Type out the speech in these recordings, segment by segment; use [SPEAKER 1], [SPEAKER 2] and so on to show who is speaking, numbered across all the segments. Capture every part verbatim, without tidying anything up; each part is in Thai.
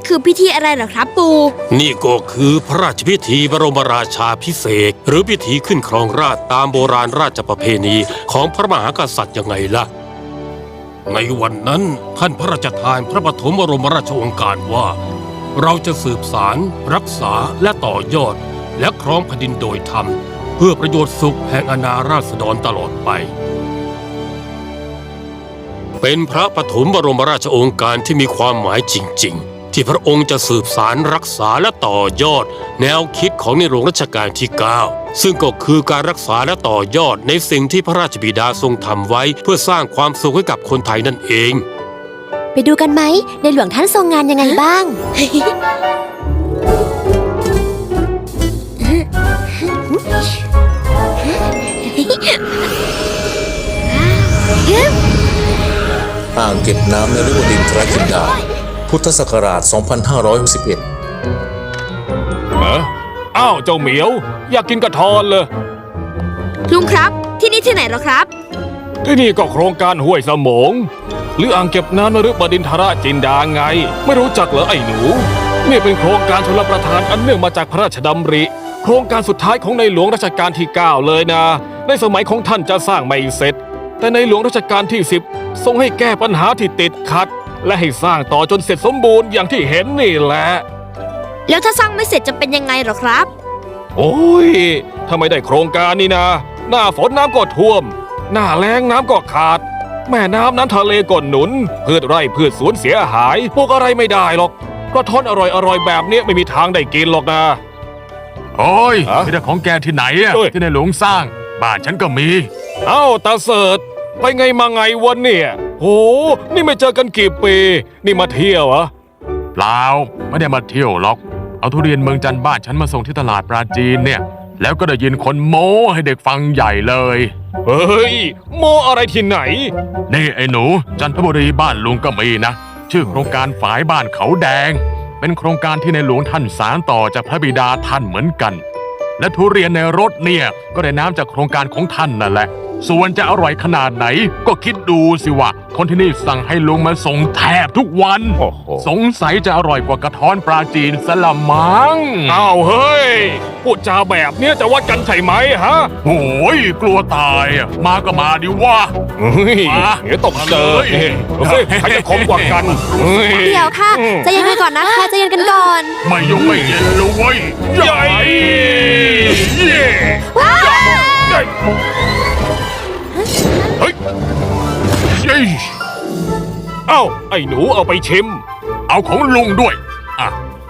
[SPEAKER 1] คือพิธีอะไรเหรอครับปู่
[SPEAKER 2] นี่ก็คือพระราชพิธีบรมราชาภิเษกหรือพิธีขึ้นครองราชย์ตามโบราณราชประเพณีของพระมหากษัตริย์ยังไงล่ะในวันนั้นท่านพระราชทานพระปฐมบรมราชโองการว่าเราจะสืบสารรักษาและต่อยอดและครองแผ่นดินโดยธรรมเพื่อประโยชน์สุขแห่งอาณาราษฎรตลอดไปเป็นพระปฐมบรมราชโองการที่มีความหมายจริงๆที่พระองค์จะสืบสารรักษาและต่อยอดแนวคิดของในหลวงรัชกาลที่เก้าซึ่งก็คือการรักษาและต่อยอดในสิ่งที่พระราชบิดาทรงทำไว้เพื่อสร้างความสุขให้กับคนไทยนั่นเอง
[SPEAKER 3] ไปดูกันไหมในหลวงท่านทรงงานยังไงบ้าง
[SPEAKER 4] อ่างเก็บน้ำนฤบดินทรจินดาพุทธศักราช สองพันห้าร้อยหกสิบเอ็ด
[SPEAKER 5] เอ้ออ้าวเจ้าเหมียวอยากกินกระทอนเลย
[SPEAKER 1] ลุงครับที่นี่ที่ไหนเหรอครับ
[SPEAKER 5] ที่นี่ก็โครงการห้วยสมงหรืออ่างเก็บน้ำนฤบดินทรจินดาไงไม่รู้จักเหรอไอ้หนูนี่เป็นโครงการชลประทานอันเนื่องมาจากพระราชดำริโครงการสุดท้ายของในหลวงรัชกาลที่เก้าเลยนะในสมัยของท่านจะสร้างไม่เสร็จแต่ในหลวงรัชกาลที่สิบทรงให้แก้ปัญหาที่ติดขัดและให้สร้างต่อจนเสร็จสมบูรณ์อย่างที่เห็นนี่แหละ
[SPEAKER 1] แล้วถ้าสร้างไม่เสร็จจะเป็นยังไงหรอครับ
[SPEAKER 5] โอ้ยถ้าไม่ได้โครงการนี่นะหน้าฝนน้ำก็ท่วมหน้าแล้งน้ำก็ขาดแม่น้ำน้ำทะเลก็หนุนพืชไร่พืชสวนเสียหายปลูกอะไรไม่ได้หรอกกระท้อนอร่อยๆแบบนี้ไม่มีทางได้กินหรอกนะ
[SPEAKER 6] โอ้ยไม่ได้ของแกที่ไหนอะที่ในหลวงสร้างบ้านฉันก็มี
[SPEAKER 5] เอ้าตาเสิร์ตไปไงมาไงวันเนี่ยโหนี่ไม่เจอกันกี่ปีนี่มาเที่ยวเหรอ
[SPEAKER 6] เปล่าไม่ได้มาเที่ยวหรอกเอาทุเรียนเมืองจันทร์บ้านฉันมาส่งที่ตลาดปราจีนเนี่ยแล้วก็ได้ยินคนโม้ให้เด็กฟังใหญ่เลย
[SPEAKER 5] เฮ้ยโม้อะไรที่ไหน
[SPEAKER 6] นี่ไอ้หนูจันทบุรีบ้านลุงก็มีนะชื่อโครงการฝายบ้านเขาแดงเป็นโครงการที่ในหลวงท่านสานต่อจากพระบิดาท่านเหมือนกันและทุเรียนในรถเนี่ยก็ได้น้ำจากโครงการของท่านนั่นแหละส่วนจะอร่อยขนาดไหนก็คิดดูสิว่าคนที่นี่สั่งให้ลุงมาส่งแทบทุกวันสงสัยจะอร่อยกว่ากระท้อนปลาจีนสละมัง
[SPEAKER 5] อ้าวเฮ้ยพูดจาแบบเนี้ยจะวัดกันใช่ไหมฮะ
[SPEAKER 6] โอ้ยกลัวตายมาก็มาดิว่า
[SPEAKER 5] เฮ้ยเดี๋ยวตกเจอเฮ้ยใครจะคมกว่ากัน
[SPEAKER 3] เดี๋ยวค่ะใจเย็นกันก่อนนะคะใจเย็นกันก่อน
[SPEAKER 6] ไม่ยกไม่เย็นเลยเว้ย
[SPEAKER 5] ใหญ่เฮ้ยเอ้าไอ้หนูเอาไปชิม
[SPEAKER 6] เอาของลุงด้วยอ่ะ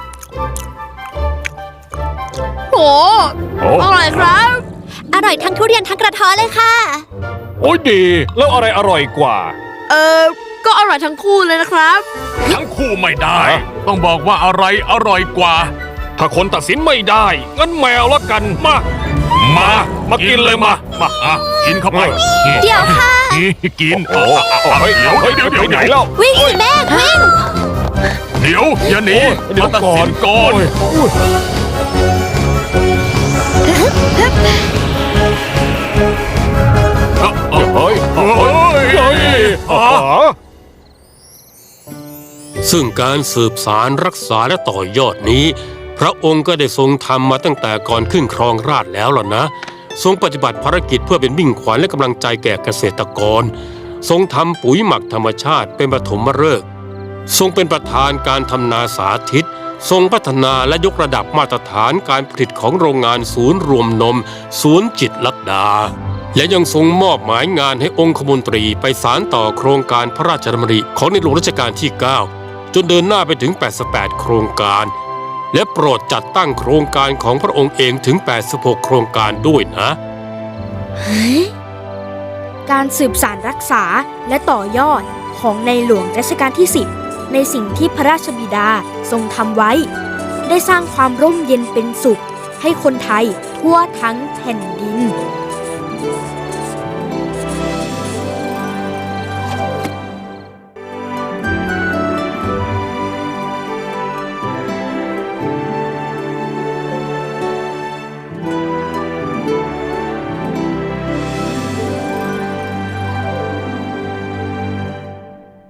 [SPEAKER 1] โอ้อร่อยครับ
[SPEAKER 3] อร่อยทั้งทุเรียนทั้งกระท้อนเลยค่ะ
[SPEAKER 5] โอ้ยดีแล้วอะไรอร่อยกว่า
[SPEAKER 1] เออก็อร่อยทั้งคู่เลยนะครับ
[SPEAKER 6] ทั้งคู่ไม่ได้ต้องบอกว่าอะไรอร่อยกว่า
[SPEAKER 5] ถ้าคนตัดสินไม่ได้งั้นแมวละกันมามามากินเลยมามาอ่ะกินเข้าไป
[SPEAKER 3] เดี๋ยวค่ะ
[SPEAKER 6] กิน
[SPEAKER 5] โอ้เฮ้ยเดี๋ยวเดี๋ยวเดี๋ยวไหนแล้ว
[SPEAKER 3] วิ่งสิแม่วิ่ง
[SPEAKER 6] เดี๋ยวอย่าหนี
[SPEAKER 5] เดี๋ยว
[SPEAKER 6] ตัดสินก่อน
[SPEAKER 5] เฮ้ยเฮ้ย
[SPEAKER 2] ซึ่งการสืบสารรักษาและต่อยอดนี้พระองค์ก็ได้ทรงทำมาตั้งแต่ก่อนขึ้นครองราชย์แล้วล่ะนะทรงปฏิบัติภารกิจเพื่อเป็นมิ่งขวัญและกำลังใจแก่เกษตรกรทรงทำปุ๋ยหมักธรรมชาติเป็นปฐมฤกษ์ทรงเป็นประธานการทำนาสาธิตทรงพัฒนาและยกระดับมาตรฐานการผลิตของโรงงานศูนย์รวมนมศูนย์จิตรลดาและยังทรงมอบหมายงานให้องคมนตรีไปสานต่อโครงการพระราชดำริของในหลวงรัชกาลที่เก้าจนเดินหน้าไปถึงแปดสิบแปดโครงการและโปรดจัดตั้งโครงการของพระองค์เองถึงแปดสิบหกโครงการด้วยนะ
[SPEAKER 1] การสืบสานรักษาและต่อยอดของในหลวงรัชกาลที่สิบในสิ่งที่พระราชบิดาทรงทำไว้ได้สร้างความร่มเย็นเป็นสุขให้คนไทยทั่วทั้งแผ่นดิน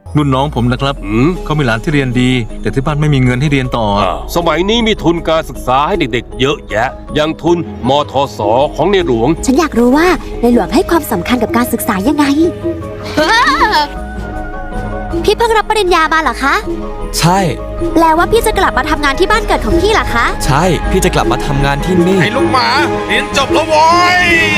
[SPEAKER 7] รุ่นน้องผมนะครับ
[SPEAKER 2] อืม
[SPEAKER 7] เขามีหลานที่เรียนดี แต่ที่บ้านไม่มีเงินให้เรียนต่อ
[SPEAKER 2] อ่าสมัยนี้มีทุนการศึกษาให้เด็กๆ เยอะแยะ อย่างทุนมทสของในหลวง
[SPEAKER 3] ฉันอยากรู้ว่าในหลวงให้ความสำคัญกับการศึกษายังไง พี่เพิ่งรับปริญญามาเหรอคะ
[SPEAKER 8] ใช่
[SPEAKER 3] แปลว่าพี่จะกลับมาทำงานที่บ้านเกิดของพี่เหรอคะ
[SPEAKER 8] ใช่ พี่จะกลับมาทำงานที่นี่
[SPEAKER 5] ไอ้ลูกหมาเรียนจบแล้วโว้ย